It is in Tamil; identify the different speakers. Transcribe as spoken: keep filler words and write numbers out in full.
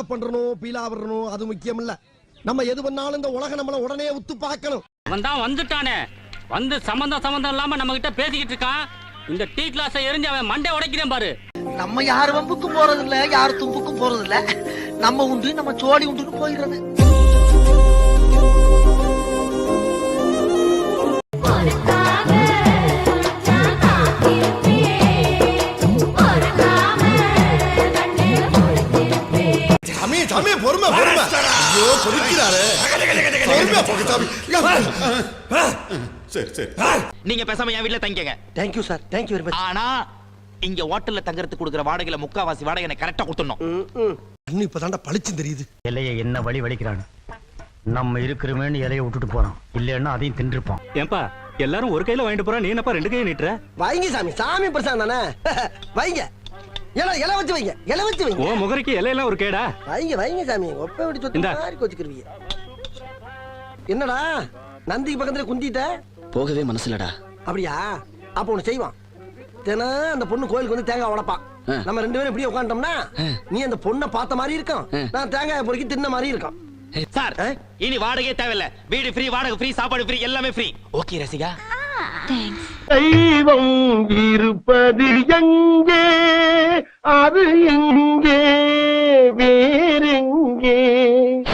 Speaker 1: பில்டப் பண்றணும் பீலா வரணும் அது முக்கியம் இல்ல. நம்ம எது பண்ணாலும் இந்த உலக நம்மள உடனே உத்து பார்க்கணும்.
Speaker 2: அவன் தான் வந்துட்டானே, வந்து சம்பந்தம் சம்பந்தம் இல்லாம நம்ம கிட்ட பேசிக்கிட்டு இருக்கான். இந்த டீ கிளாஸை எரிஞ்சு அவன் மண்டை உடைக்கிறேன் பாரு.
Speaker 3: நம்ம யாரு வம்புக்கும் போறது இல்ல, யாரு தும்புக்கும் போறது இல்ல. நம்ம உண்டு நம்ம சோழி உண்டுன்னு போயிடுறது.
Speaker 1: சாமி பொறுமை பொறுமை. ஐயோ கொதிக்கிறாரே. பொறுமை போங்க சாமி.
Speaker 4: சரி சரி
Speaker 5: நீங்க பேசாம என் வீட்ல தங்கிக்கங்க.
Speaker 3: Thank you sir, thank you very much.
Speaker 5: ஆனா இங்க ஹோட்டல்ல தங்கறதுக்கு கொடுக்குற வாடகையில முக்காவாசி வாடகை எனக்கு கரெக்டா கொடுத்துடணும்.
Speaker 1: அண்ணி இப்பதான்டா பளிச்சு தெரியுது.
Speaker 2: இலையை என்ன வழி வலிக்கிறானு. நம்ம இருக்கிறமேன்னு இலையை விட்டுட்டு போறோம், இல்லன்னா அதையும் தின்றுப்பான். ஏன்பா எல்லாரும் ஒரு கையில வாங்கிட்டு போறா, நீ என்னப்பா ரெண்டு கையை நீட்டுற?
Speaker 1: வைங்க சாமி, சாமி பிரசாதம் தானே. வைங்க. இலை இலை வச்சு வைங்க, இலை வச்சு வைங்க.
Speaker 2: ஓ முகரைக்கு இலையெல்லாம் ஒரு கேடா?
Speaker 1: வைங்க வைங்க சாமி, ஒப்ப விட்டு சொத்து மாதிரி கோச்சிக்கிறீங்க. என்னடா நந்திக்கு பக்கத்துல குந்திட்ட?
Speaker 5: போகவே மனசுலடா.
Speaker 1: அப்படியா? அப்ப ஒண்ணு செய்வான். தினம் அந்த பொண்ணு கோயிலுக்கு வந்து தேங்காய் உடைப்பான். நம்ம ரெண்டு பேரும் இப்படியே உட்காந்துட்டோம்னா நீ அந்த பொண்ணை பார்த்த மாதிரி இருக்கும், நான் தேங்காய் பொறுக்கி தின்ன மாதிரி இருக்கும்.
Speaker 5: சார் இனி வாடகையே தேவையில்ல. வீடு ஃப்ரீ, வாடகை ஃப்ரீ, சாப்பாடு ஃப்ரீ, எல்லாமே ஃப்ரீ. ஓகே ரசிகா.
Speaker 1: தெய்வம் இருப்பது எங்கே, அது எங்கே, வேறெங்கே?